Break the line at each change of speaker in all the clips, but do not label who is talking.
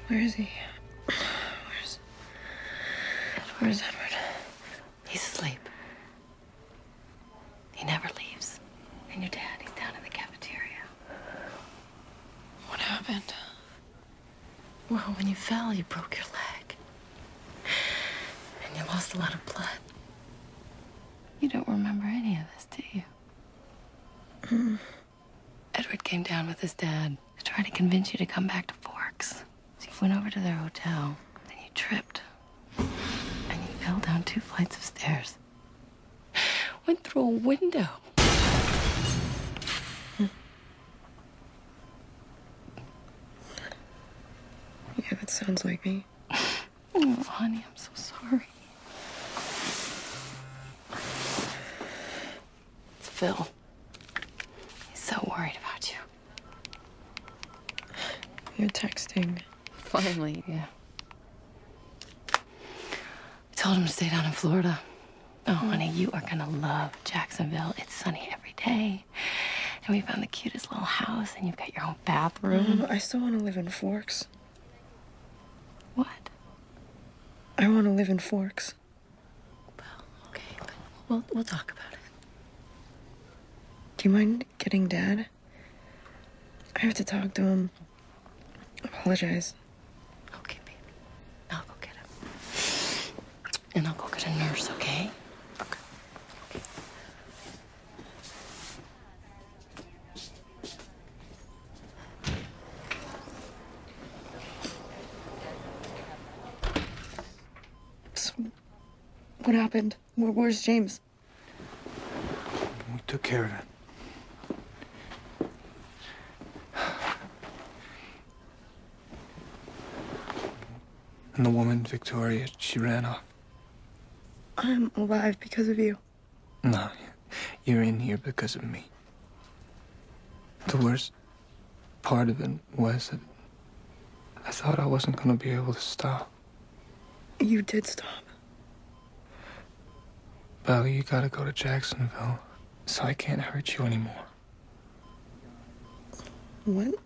Where is he? Where's Edward?
He's asleep. He never leaves. And your dad, he's down in the cafeteria.
What happened?
Well, when you fell, you broke your leg. And you lost a lot of blood. You don't remember any of this, do you? Edward came down with his dad to try to convince you to come back to Forks. So you went over to their hotel, then you tripped. And you fell down 2 flights of stairs. Went through a window.
Yeah, that sounds like me.
Oh, honey, I'm so sorry. It's Phil. He's so worried about you.
You're texting.
Finally, yeah. I told him to stay down in Florida. Oh, honey, you are gonna love Jacksonville. It's sunny every day. And we found the cutest little house, and you've got your own bathroom.
I still want to live in Forks.
What?
I want to live in Forks.
Well, okay, but we'll talk about it.
Do you mind getting Dad? I have to talk to him. Apologize.
Okay, baby. I'll go get him. And I'll go get a nurse, okay?
Okay. So, what happened? Where's James?
We took care of it. And the woman, Victoria, she ran off.
I'm alive because of you.
No, you're in here because of me. The worst part of it was that I thought I wasn't going to be able to stop.
You did stop.
Belly, you gotta go to Jacksonville, so I can't hurt you anymore.
What?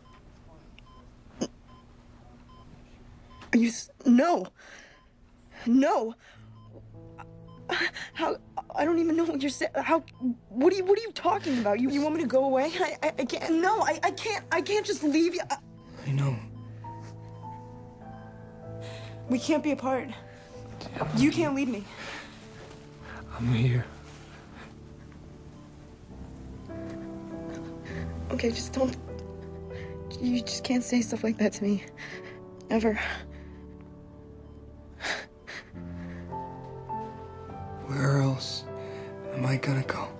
Are you... No! No! How... I don't even know what you're saying. How... What are you talking about? You want me to go away? I can't... No, I can't just leave you.
I know.
We can't be apart. You can't leave me.
I'm here.
Okay, just don't... You just can't say stuff like that to me. Ever.
Where else am I gonna go?